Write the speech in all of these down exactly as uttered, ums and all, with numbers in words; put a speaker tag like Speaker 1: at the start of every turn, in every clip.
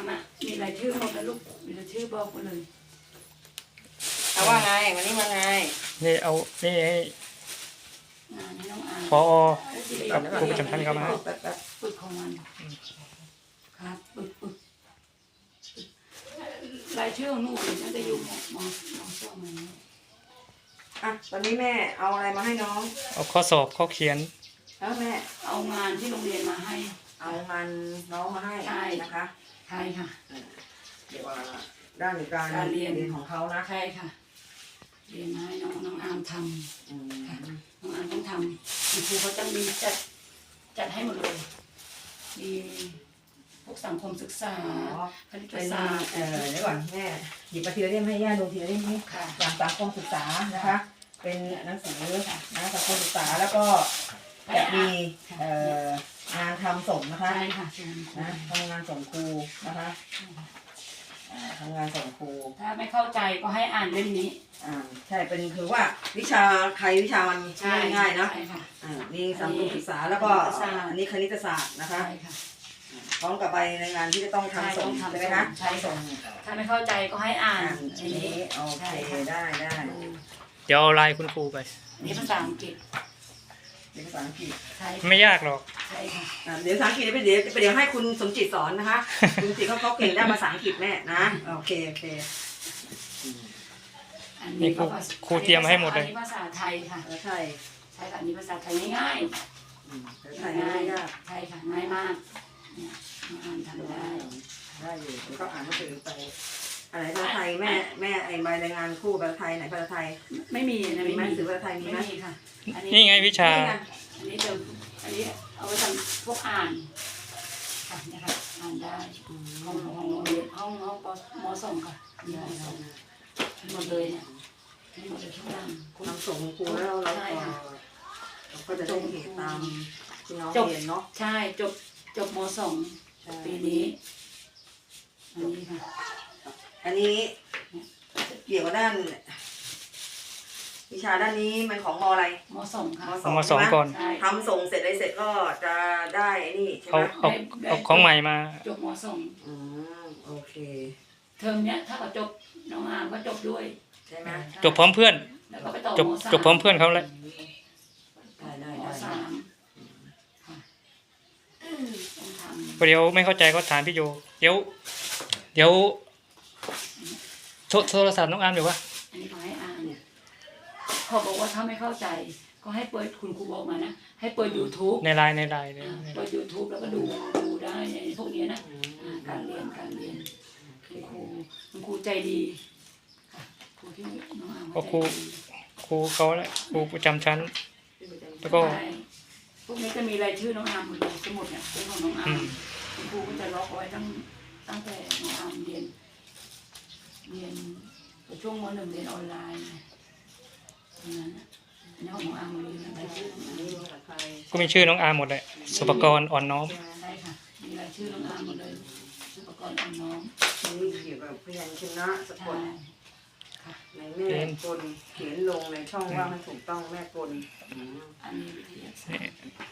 Speaker 1: ามอ่ะมีรายชื่อหมดแล้วลูกมีรายชื่อบอกหมดเลย
Speaker 2: เอาว่าไงวันนี้มาไง
Speaker 3: นี่เอานี่ให้
Speaker 1: งานให้น้องอาม
Speaker 3: พอกับครูประจำชั้นเข้ามา
Speaker 2: แป๊บแป๊บ
Speaker 1: ปึกของมันครับปึกปึกรายชื่อของหนูน่าจะอยู่มมมสองมัน
Speaker 2: อ่ะตอนนี้แม่เอาอะไรมาให้น้อง
Speaker 3: เอาข้อสอบข้อเขียน
Speaker 2: แล้วแม่
Speaker 1: เอางานที่โรงเรียนมาให้
Speaker 2: เอางานน้องมาให้
Speaker 1: ใช่
Speaker 2: นะคะ
Speaker 1: ใช่ค่ะ
Speaker 2: เดี๋ยวว่าด้านการ
Speaker 1: การเรียน
Speaker 2: เรียนของเขานะ
Speaker 1: ใช่ค่ะเรียนมาให้น้องน้องอามท
Speaker 2: อืม
Speaker 1: ำค่ะน้องอามต้องทำคุณครูเขาจะมีจัดจัดให้หมดเลยมีพวกสังคมศึกษา
Speaker 2: อ๋อ
Speaker 1: คณิต
Speaker 2: เป็น
Speaker 1: ศาสตร์
Speaker 2: เอ่อเดี๋ยวก่อนแม่หยิบมาทีละเล่มให้ย่าดูทีละเล่มนี้
Speaker 1: ค่ะ
Speaker 2: จากสังคมศึกษานะคะ เป็นหนังสือนะสังคมศึกษาแล้วก็จะมีเอ่องานทำส่งนะคะ
Speaker 1: ใช่ค่ะส่วนครู
Speaker 2: นะทำงานส่งครูนะคะอ่าทำงานส่งครู
Speaker 1: ถ้าไม่เข้าใจก็ให้อ่านเล่มนี้
Speaker 2: อ่าใช่เป็นคือว่าวิชาใครวิชามันง่ายๆเนาะ
Speaker 1: ใช่ค่ะ
Speaker 2: อ่านี่สังคมศึกษาแล้วก็
Speaker 1: คณิตศาสตร์
Speaker 2: อันนี้คณิตศาสตร์นะคะ
Speaker 1: ใช่ค่ะ
Speaker 2: พร้อมกับใบรายงานที่จะต้องทำส่ง
Speaker 1: ใช่ต้องทำ
Speaker 2: ใช่ไหมคะ
Speaker 1: ใช่ส่ง ถ้าไม่เข้าใจก็ให้อ่าน
Speaker 2: อ่าน
Speaker 1: ใน
Speaker 2: ที
Speaker 1: นี้
Speaker 2: นี้โอเคได้ได้
Speaker 3: เดี๋ยวเอาไลน์คุณครูไป
Speaker 1: อันนี้ภาษาอังกฤษ
Speaker 2: เรียนภาษาอังกฤษ
Speaker 1: ใช่
Speaker 3: ไม่ยากหรอก
Speaker 1: ใช่ค่ะ
Speaker 2: อ่าเดี๋ยวภาษาอังกฤษเดี๋ยวเดี๋ยวให้คุณสมจิตสอนนะคะ คุณสมจิตเขาเขาเก่งด้านภาษาอังกฤษแม่นะโอเคโอเค
Speaker 1: อัน
Speaker 3: นี่
Speaker 1: นี้
Speaker 3: ครู
Speaker 1: ก็ภาษา
Speaker 3: ครูเตรียมมาให้หมดเลย
Speaker 1: อันนี้ภาษาไทยค่ะ
Speaker 2: แล้วใช่
Speaker 1: ใช่ค่ะอันนี้ภาษาไทยง่าย
Speaker 2: อืมแล้ว
Speaker 1: ๆ
Speaker 2: ใช่ไม่ยาก
Speaker 1: ใช่ค่ะง่ายมากเนี่ยน้องอ่านทำได้
Speaker 2: ได้อยู่เดี๋ยวก็อ่านหนังสือไปอะไรภาษาไทยแม่แม่ไอ้ใบรายงานคู่ภาษาไทยไหนภาษาไทย
Speaker 1: ไม่มีนะ
Speaker 2: มี
Speaker 1: ไม่
Speaker 2: ไหม
Speaker 1: มี
Speaker 2: หนังสือภาษาไทยมี
Speaker 1: ไม่
Speaker 2: ไหม
Speaker 1: มีค่ะ อัน
Speaker 3: นี่
Speaker 1: นี้
Speaker 3: ไงวิชา
Speaker 2: นี่ไง
Speaker 1: อันนี้เดิมอันนี้เอาไว้ทำพวกอ่านค่ะเนะคะอ่านได้ห้องห้องโรงเรียนห้องห้องปมสองค่ะมีห้องสองทั้งหมดเลยเนี่ยทั้งหมดเลยทุกอย่างคุณ
Speaker 2: ทำส่งครูแล้วเรา
Speaker 1: ใช่
Speaker 2: ก็
Speaker 1: ค่ะ
Speaker 2: เราก็จะได้เหตุตามที่น้อง
Speaker 1: จบ
Speaker 2: เรียนเนาะ
Speaker 1: ใช่จบจบมสอง
Speaker 2: ใช่
Speaker 1: ปีนี้อันนี้ค่ะ
Speaker 2: อันนี้เกี่ยวกับด้าน วิชาด้านนี้มันของมอะไร
Speaker 1: มสองค่ะ
Speaker 3: เอามาสองก่อน
Speaker 1: ใช่
Speaker 2: ทำส่งเสร็จอะไรเสร็จก็จะได้ไอ้นี่ใช่ไห
Speaker 3: เอา
Speaker 2: ม
Speaker 3: เอาเอาของใหม่มา
Speaker 1: จบมสอง
Speaker 2: อืมโอเค
Speaker 1: เทอมเนี้ยถ้าเขาจบน้องอามก็จบด้วย
Speaker 2: ใช่ไหม
Speaker 3: จบพร้อมเพื่อน
Speaker 1: แล้วก็ไปต่อ
Speaker 3: จบ
Speaker 1: มสาม
Speaker 3: จบพร้อมเพื่อนเขาเลย
Speaker 2: ได้ได้
Speaker 1: ม
Speaker 2: ได้
Speaker 1: สามค่ะต้องทำ
Speaker 3: เดี๋ยวไม่เข้าใจก็ถามพี่โยเดี๋ยวเดี๋ยวโทรโทรศัพท์น้องอาร์มเดี๋ยววะ
Speaker 1: อันนี้เขาให้อ่านเนี่ยเขาบอกว่าถ้าไม่เข้าใจ ก็ให้เปิดคุณครูบอกมานะให้เปิด YouTube
Speaker 3: ในไลน์ในไลน์เนี่ย
Speaker 1: เปิด YouTube แล้วก็ดูดูได้ในพวกนี้นะอ่าการเรียนการเรียนคุณครูคุณครูใจดีค่ะครูที่น้องอาม
Speaker 3: ก็
Speaker 1: เขา
Speaker 3: ครู
Speaker 1: ใจดี
Speaker 3: ครูเขาแหละครูประจำชั้น แล้วก็
Speaker 1: ใช่พวกนี้จะมีรายชื่อน้องอามหมดเลยสมุดเนี่ยเป็นของน้องอา
Speaker 3: อื
Speaker 1: ม
Speaker 3: ม
Speaker 1: คุณครูก็จะล็อกเอาไว้ตั้งตั้งแต่น้องอามเรียน เรียนช่วงมหนึ่งเรียนออนไลน์ตรงนั้นน่ะอันนี้ของน้องอามหมดเลยรายชื่อน้อง
Speaker 2: อัน
Speaker 1: อา
Speaker 2: นี้
Speaker 1: ม
Speaker 2: ภาษาไทย
Speaker 3: ก็มีชื่อน้องอาร์มหมดเลยสุปกรณ์อ่อนน้อม
Speaker 1: ใช่ค่ะมีรายชื่อน้องอามหมดเลยอุปกรณ์อ่อนน้อม
Speaker 2: อันนี้เกี่ยวกับพยัญชนะสะก
Speaker 1: ใช่
Speaker 2: ด
Speaker 1: ค่ะ
Speaker 2: ในแม่กลเขียนลงในช่องว่างให้ถูกต้องแม่กลอืม
Speaker 1: อันนี้วิทยาศาสตร์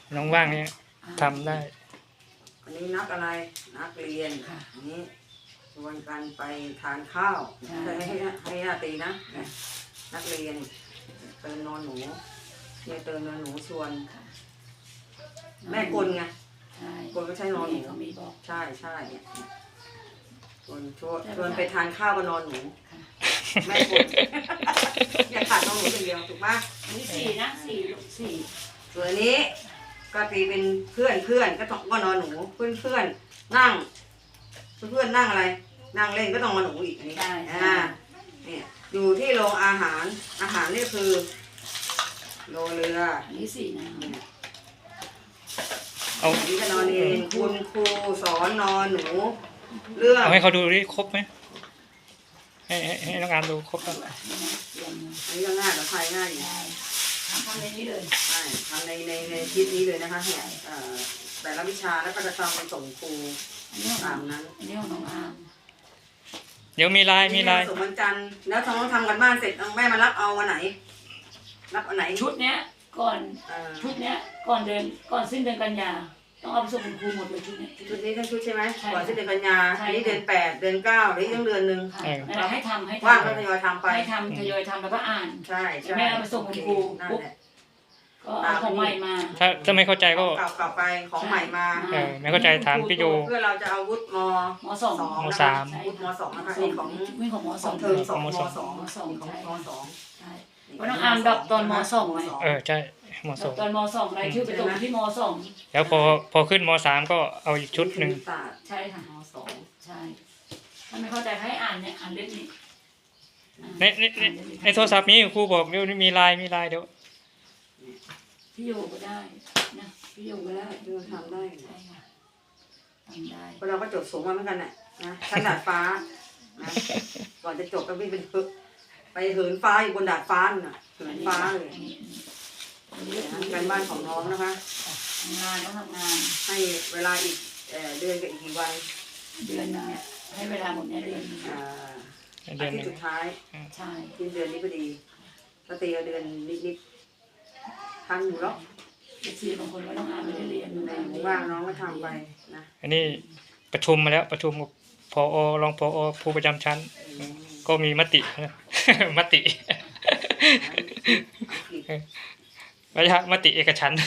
Speaker 3: น้องว่างเนี่ยทำได้
Speaker 2: อันนี้นักอะไรนักเรียน
Speaker 1: ค่ะ
Speaker 2: อันนี้ชวนกันไปทานข้าว
Speaker 1: ใช่
Speaker 2: ให้ให้ให้ญาตินะ นักเรียนเติมนอนหนูเนี่ยเติมนอนหนูชวน แม่กลไง
Speaker 1: ใช่
Speaker 2: กลก็ใช้นอนหนู
Speaker 1: เขามีบอก
Speaker 2: ใช่ใช่เนี่ยชวนชวนชวนไปทานข้าวกับนอนหนู
Speaker 1: ค่ะ
Speaker 2: แม่กลอย่าขาดนอนหนูอย่างเดียวถูกปะ
Speaker 1: อันนี้สี่นะสี่ลูกสี่
Speaker 2: ส่วนอันนี้ก็ตีเป็นเพื่อนเพื่อนก็ต้องก็นอนหนูเพื่อนเพื่อนนั่ง เพื่อนนั่งอะไร นั่งเล่นก็ต้องนอนหนูอีกอันนี้
Speaker 1: ใช่
Speaker 2: อ่าเนี่ยอยู่ที่โรงอาหารอาหารนี่คือโรงเรือ
Speaker 1: อันนี้สี่นะ
Speaker 3: เอา
Speaker 2: นี่ก็นอนเองคุณครูสอนนอนหนู เรื่อง
Speaker 3: เอาให้เขาดูดิครบไหมให้ให้ให้น้องอาร์มดูครบป่ะ
Speaker 1: นี่นะเตรียมมา
Speaker 2: อันนี้ก็ง่ายกับใครง่ายอยู่
Speaker 1: ได้ทำทำในนี้เลย
Speaker 2: ใช่ทำในในในคลิปนี้เลยนะคะเนี่ยเอ่อแต่ละวิชาแล้วก็จะทำไปส่งครู
Speaker 1: อันนี้ของ
Speaker 2: ตามนั้น
Speaker 1: อันนี้ของน้องอาร์ม
Speaker 3: เดี๋ยวมีไลน์มีไลน์
Speaker 2: ส่งวันจันทร์แล้วท้องทำกันบ้านเสร็จเอาแม่มารับเอาวันไหน รับวันไหน
Speaker 1: ชุดเนี้ยก่อน
Speaker 2: เอ่อ
Speaker 1: ชุดเนี้ยก่อนเดือนก่อนสิ้นเดือนกันยาต้องเอาไปส่งคุณครูหมดเลยชุดเนี้ย
Speaker 2: ชุดนี้ทั้งชุดใช่ไหม
Speaker 1: ใช่
Speaker 2: ก่อนสิ้นเดือนกันยา
Speaker 1: ใช่
Speaker 2: อันนี้เดือนแปดเดือนเก้าหรือยังเดือนหนึ่ง
Speaker 1: ค่ะนั่นแหละให้ทำให้
Speaker 2: ว่าง
Speaker 1: ทำ
Speaker 2: ก็ทยอยทำไป
Speaker 1: ให้ทำทยอยทำแล้วก็อ่าน
Speaker 2: ใช่ใช่
Speaker 1: แม่เอาไปส่งคุณครู
Speaker 2: นั่น
Speaker 1: ปุ๊บ
Speaker 2: แหละ
Speaker 1: ก็เอาของใหม่มา
Speaker 3: ถ้าถ้าไม่เข้าใจก็
Speaker 2: เก่าเก่าไปของใหม่มา
Speaker 3: เออไม่เข้าใจถามพี่โย
Speaker 2: เพื่อเราจะเอาวุฒิม
Speaker 1: มสอง
Speaker 3: มสาม
Speaker 2: วุฒิมสองนะคะนี่ของ
Speaker 1: วิ่งของม
Speaker 2: ข
Speaker 1: ส
Speaker 2: อ
Speaker 1: อง ง
Speaker 2: เทอมสอง
Speaker 3: ม
Speaker 2: ม
Speaker 3: สอง
Speaker 2: สอง
Speaker 1: มสอง
Speaker 2: ของ
Speaker 1: ใช่
Speaker 2: มสอง
Speaker 1: ใช่เพราะน้องอาร์มดอกตอนมสองไหม
Speaker 3: เออใช่มสอง
Speaker 1: ตอนมสองรายชื่อไปตรงที่มสอง
Speaker 3: แล้วพอพอขึ้นมสามก็เอาอีกชุดหนึ่ง
Speaker 2: ศาสตร์
Speaker 1: ใช่ค่ะ
Speaker 2: มสอง
Speaker 1: ใช่ถ้าไม่เข้าใจให้อ่านเนี่ยอ่านเล่มนี้
Speaker 3: ในในในในโทรศัพท์นี้ครูบอกเดี๋ยวมีไลน์มีไลน์เดี๋ยว
Speaker 1: พี่โยก็ได้นะพี่โยก็ได้
Speaker 2: ดูทำได้
Speaker 1: ใช่ค่ะทำได้
Speaker 2: เพราะเราก็จบสูงมาเหมือนกันน่ะนะชั้นดาดฟ้านะก่อนจะจบก็วิ่งเป็นพึกไปเหินฟ้าอยู่บนดาดฟ้าน่ะเหินฟ้าเลย
Speaker 1: อันนี้อันนี้ก็
Speaker 2: นะ
Speaker 1: คือ
Speaker 2: การบ้านของน้องนะคะ
Speaker 1: ทำงานต้องทำงาน
Speaker 2: ให้เวลาอีกเอ่อเดือนกับอีกกี่วัน
Speaker 1: เดือนหนึงเนี่ยให้เวลาหมดเนี่ยเดือนหนึง
Speaker 2: อ่า
Speaker 3: เดื
Speaker 2: อา
Speaker 3: อนห
Speaker 2: ทิต
Speaker 3: นึ่ง
Speaker 2: ย์สุดท้าย
Speaker 1: ใช่
Speaker 2: สิ้นเดือนนี้พอดีก็ตีเอาเดือนนิดๆทันอยู่หรอก
Speaker 1: เด็กสี่บางคนก็ต้องอ่านไม่ได้เรียน
Speaker 2: ในหมู่ว่างน้องก็ทำไปนะ
Speaker 3: อันนี้ประชุมมาแล้วประชุมกับพอรองพอผู้ประจำชั้น ก็มีมติ นะ มติ ไม่ใช่มติเอกฉันท์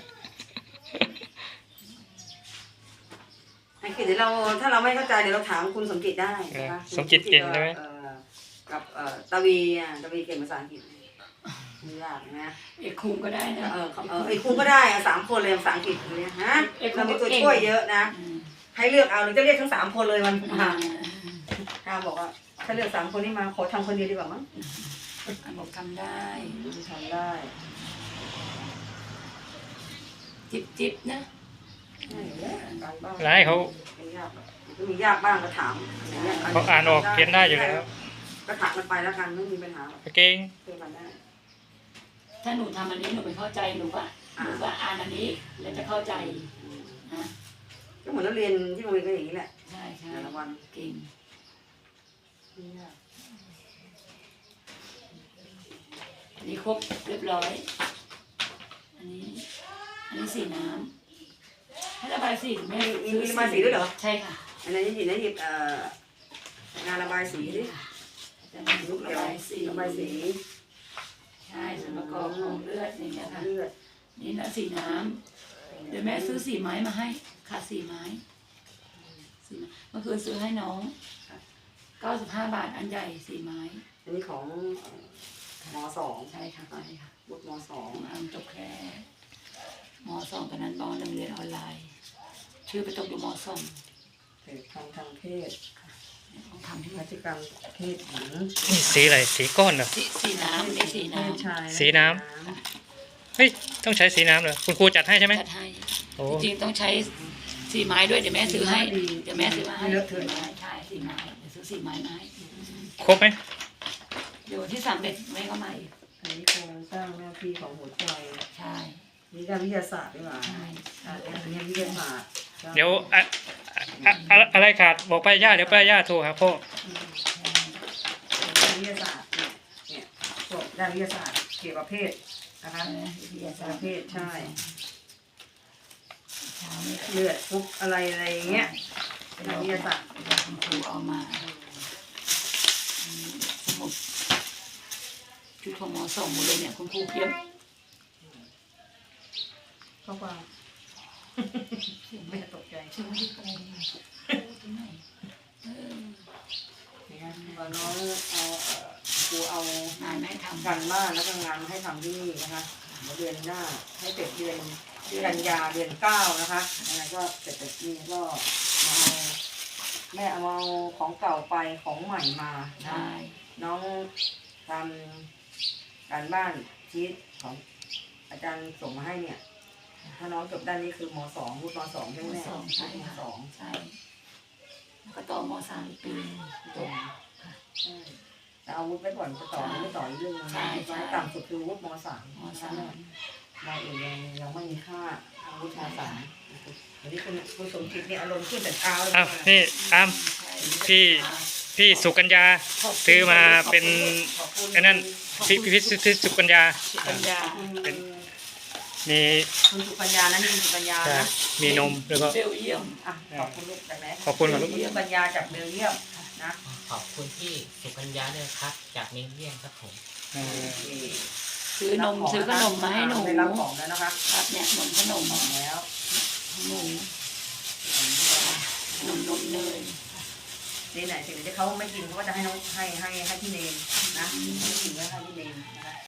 Speaker 2: อังกฤษเดี๋ยวเราถ้าเราไม่เข้าใจเดี๋ยวเราถามคุณสมจิตได้นะคะ
Speaker 3: สมจิตเก่งใช่ไหม
Speaker 2: อ่อกับเอ่อตาวีอ่ะตาวีเก่งภาษาอังกฤษไม่ยากนะ
Speaker 1: เอกคุมก็ได้นะ
Speaker 2: เออเออไอ้คุณก็ได้อะสามคนเลยภาษาอังกฤษเลยฮะ
Speaker 1: เอกคุ
Speaker 2: เรา
Speaker 1: ณ
Speaker 2: มี
Speaker 1: ก็
Speaker 2: ตัว
Speaker 1: เก่ง
Speaker 2: ช่วยเยอะนะ
Speaker 1: อืม
Speaker 2: ให้เลือกเอาหรือจะเรียกทั้งสามคนเลยมัน
Speaker 1: อ่า
Speaker 2: ข้าบอกว่าถ้าเลือกสามคนนี้มาขอทำคนเดียวดีกว่ามั้ง
Speaker 1: อันบอกทำได้
Speaker 2: ทำได้
Speaker 1: จิบจิบนะ
Speaker 2: การบ้าน
Speaker 3: แล้วให้เขา
Speaker 2: ไม่ยากก็มียากบ้างก็ถามอย่างเงี้ย
Speaker 3: เขาอ่านออกเขียนได้อยู่แล้ว
Speaker 2: ก็ถามมันไปแล้วกันไม่มีปัญหาหรอก
Speaker 3: เก่ง
Speaker 2: เพื่อนกันได้
Speaker 1: ถ้าหนูทำอันนี้หนูไปเข้าใจหนูก็หนูก็อ่านอันนี้แล้วจะเข้าใจนะ
Speaker 2: ก็เหมือนเราเรียนที่โรงเรียนก็อย่างนี้แหละ
Speaker 1: ใช่ใช่
Speaker 2: แต่ละวัน
Speaker 1: เก่ง
Speaker 2: ไม่ยาก
Speaker 1: อันนี้ครบเรียบร้อย อันนี้ อันนี้สีน้ำให้ระบายสีแม่
Speaker 2: มีมีระบายสีด้วยเหรอ
Speaker 1: ใช่ค่ะ
Speaker 2: อันนี้นหยิบนะหยิบเอ่องานระบายสีดิ
Speaker 1: จะมี
Speaker 2: ลูก
Speaker 1: ระ
Speaker 2: เดียว
Speaker 1: บายสี
Speaker 2: ระบายสี
Speaker 1: ใช่ส่วนประกอบของเลือดอย่างเงี้ยค่ะ
Speaker 2: เลือด
Speaker 1: นี่นะสีน้ำเดี๋ยวแม่ซื้อสีไม้มาให้ขาดสีไม้สีไม้เมื่อคืนซื้อให้น้องเก้าสิบห้าบาทอันใหญ่สีไม้
Speaker 2: อันนี้ของมสอง
Speaker 1: ใช่ค่ะใช่ค่ะ
Speaker 2: บุตรมสอง
Speaker 1: ของอันจบแค่มสองตอนนั้นมหนึ่งเรียนออนไลน์ ชื่อไปตกอยู่มสอง
Speaker 2: เด็กทางทางเพศ
Speaker 1: ต้องทำที่
Speaker 2: พฤติกรรมเพศหญิง
Speaker 3: นี่สีอะไรสีก้อนเหรอ
Speaker 1: สีสีน้ำนี่สีน้
Speaker 2: เพศชาย
Speaker 3: สีน้ เฮ้ยต้องใช้สีน้ำเหรอคุณครูจัดให้ใช่ไหม
Speaker 1: ำจัดให้
Speaker 3: โอ้
Speaker 1: จริงๆต้องใช้สีไม้ด้วยเดี๋ยวแม่ซื้อให้เดี๋ยวแม่ซื้อมาให้
Speaker 2: เลอะเท
Speaker 1: สี
Speaker 2: อะ
Speaker 1: ไม้ใช่สีไม้เดี๋ยวซื้อสีไม้มาให้
Speaker 3: ครบไหม
Speaker 1: เดี๋ยวที่สามเด็ดแม่ก็มาอีก
Speaker 2: อันนี้โครงสร้างหน้าที่ของหัวใจ
Speaker 1: ใช่
Speaker 2: นี่ด้านวิทยาศาสตร์ดีกว่า
Speaker 1: ใช่
Speaker 2: อ่าอันนี้วิทยาศาสตร์
Speaker 3: เดี๋ยวอะอะอะอะไรขาดบอกป้าย่าเดี๋ยวป้าย่าโทรหาพ่อ
Speaker 2: ด้านวิทยาศาสตร์เนี่ยเนี่ยพวกด้านวิทยาศาสตร์เกี่ยวกับเพศนะคะ
Speaker 1: วิทยา
Speaker 2: เกี่
Speaker 1: ศา
Speaker 2: ยว
Speaker 1: ส
Speaker 2: กั
Speaker 1: ต
Speaker 2: บ
Speaker 1: ร์
Speaker 2: เพศใช่
Speaker 1: เช้านี้
Speaker 2: เลือดปุ๊บอะไรอะไรอย่างเงี้ยด้านวิทยาศาสตร์
Speaker 1: เดี๋ยวคุณครูเอามาอืมสมุดชุดของหมอส่งหมดเลยเนี่ยคุณครูเพียบ
Speaker 2: ข้อความไม่ตกใจ
Speaker 1: ชื่อไม่ได้โกงตรงไหนเออ
Speaker 2: นะครับว่าน้องเอาเอ่อครูเอา
Speaker 1: งานแม่ทำ
Speaker 2: การบ้านแล้วก็งานมาให้ทำที่นี่นะคะเดี๋ยวเดือนหน้าให้เสร็จเดือนกันยาเดือนเก้านะคะอะไรก็เสร็จจากนี้ก็มาเอาแม่เอาของเก่าไปของใหม่มานะ
Speaker 1: ใช่
Speaker 2: น้องทำการบ้านชีตของอาจารย์ส่งมาให้เนี่ย ถ้าน้องจบด้านนี้คือมสองวุฒิมสองใช่ไหม
Speaker 1: ม
Speaker 2: แม่
Speaker 1: สองใช่
Speaker 2: ม
Speaker 1: ค่ะ
Speaker 2: สอง
Speaker 1: ใช่แล้วก็ต่อมสามอีกปีหนึ่งจบ
Speaker 2: ใช่แต่เอาวุฒิไปก่อนจะต่อไม่ต่ออีกเรื่องนึง
Speaker 1: ใช่ใช่
Speaker 2: ต่ำสุดคือวุฒิมสาม
Speaker 1: มสาม
Speaker 2: เราเองยังยังไม่มีค่าทางวุฒิมสามวันนี้คุณคุณสมจิตเนี่ยอารมณ์ขึ้นแต่เช้าเลย
Speaker 3: อ้าวนี่อาม พี่ พี่สุกัญญาซื้อมาเป็น
Speaker 2: ขอบคุณ
Speaker 3: ไอ้นั่นพี่พี่พี่พี่สุกัญญา
Speaker 1: ปัญญา
Speaker 2: เป็น
Speaker 3: มี
Speaker 2: คุณสุกัญญานะนี่คุณสุกัญญา
Speaker 3: ใช่
Speaker 2: นะ
Speaker 3: มีนมแล้วก็
Speaker 1: เบลเยียม
Speaker 2: อ่ะขอบคุณลูกจากไหน
Speaker 3: ขอบคุณครับลูก
Speaker 2: คุณสุกัญญาจากเบลเยียมนะ
Speaker 4: ขอบคุณที่สุกัญญาด้วยครับ จากเมเลียนครับผม
Speaker 3: เออ
Speaker 1: ซื้อนมซื้อขนมมาให้หนู
Speaker 2: ได้รับของแล้วนะคะ
Speaker 1: ครับเนี่ยนมขนม
Speaker 2: ของแล้ว
Speaker 1: หนูนมนมเนย
Speaker 2: นี่ไหนสิ่งที่เขาไม่กินเขาก็จะให้น้องให้ให้ให้พี่เนมนะไม่กินก็ให้พี่เนมนะคะ